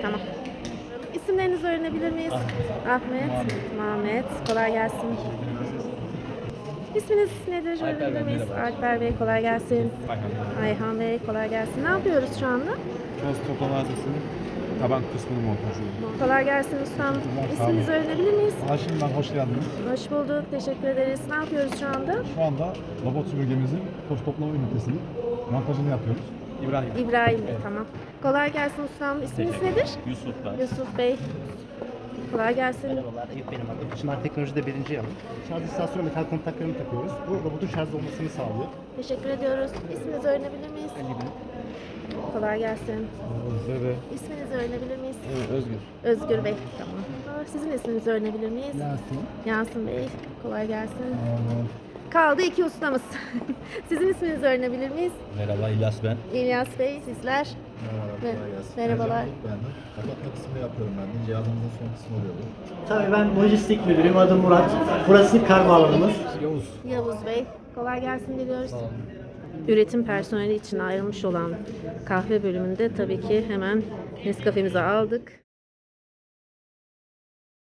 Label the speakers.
Speaker 1: Tamam. İsimlerinizi öğrenebilir miyiz? Ahmet, Mehmet. Kolay gelsin. İsminiz nedir? Öğrenebilir miyiz? Alper Bey, kolay gelsin. Ayhan Bey, kolay gelsin. Ne yapıyoruz şu anda?
Speaker 2: Toz toplama adresinin taban kısmını montajı.
Speaker 1: Kolay gelsin ustam. İsminizi öğrenebilir miyiz?
Speaker 3: Haşim ben, hoş geldiniz.
Speaker 1: Hoş bulduk. Teşekkür ederiz. Ne yapıyoruz şu anda?
Speaker 3: Şu anda robot süpürgemizin toz toplama ünitesinin montajını yapıyoruz. İbrahim.
Speaker 1: İbrahim Bey, tamam. Kolay gelsin ustam. İsminiz nedir?
Speaker 4: Yusuf ben.
Speaker 1: Yusuf Bey. Kolay gelsin.
Speaker 4: Merhabalar, Eyüp benim adım. Çınar Teknoloji'de birinci yanım. Şarj istasyonu metal kontaklarını takıyoruz. Bu robotun şarj olmasını sağlıyor.
Speaker 1: Teşekkür ediyoruz. İsminizi öğrenebilir miyiz? Kolay gelsin.
Speaker 3: Size
Speaker 1: İsminizi öğrenebilir miyiz?
Speaker 3: Özgür.
Speaker 1: Özgür Bey. Tamam. Sizin isminizi öğrenebilir miyiz?
Speaker 3: Yasin.
Speaker 1: Yasin Bey. Kolay gelsin. Kaldı iki ustamız. Sizin isminizi öğrenebilir miyiz?
Speaker 4: Merhaba, İlyas ben.
Speaker 1: İlyas Bey, sizler. Merhabalar.
Speaker 5: Ben de kapatma kısmını yapıyorum ben de. Cihazımızın son kısmı oluyor bu.
Speaker 6: Tabii ben lojistik müdürüyüm. Adım Murat. Burası kargo alanımız.
Speaker 1: Yavuz Bey. Kolay gelsin diliyoruz. Üretim personeli için ayrılmış olan kahve bölümünde tabii ki hemen Nescafe'mizi aldık.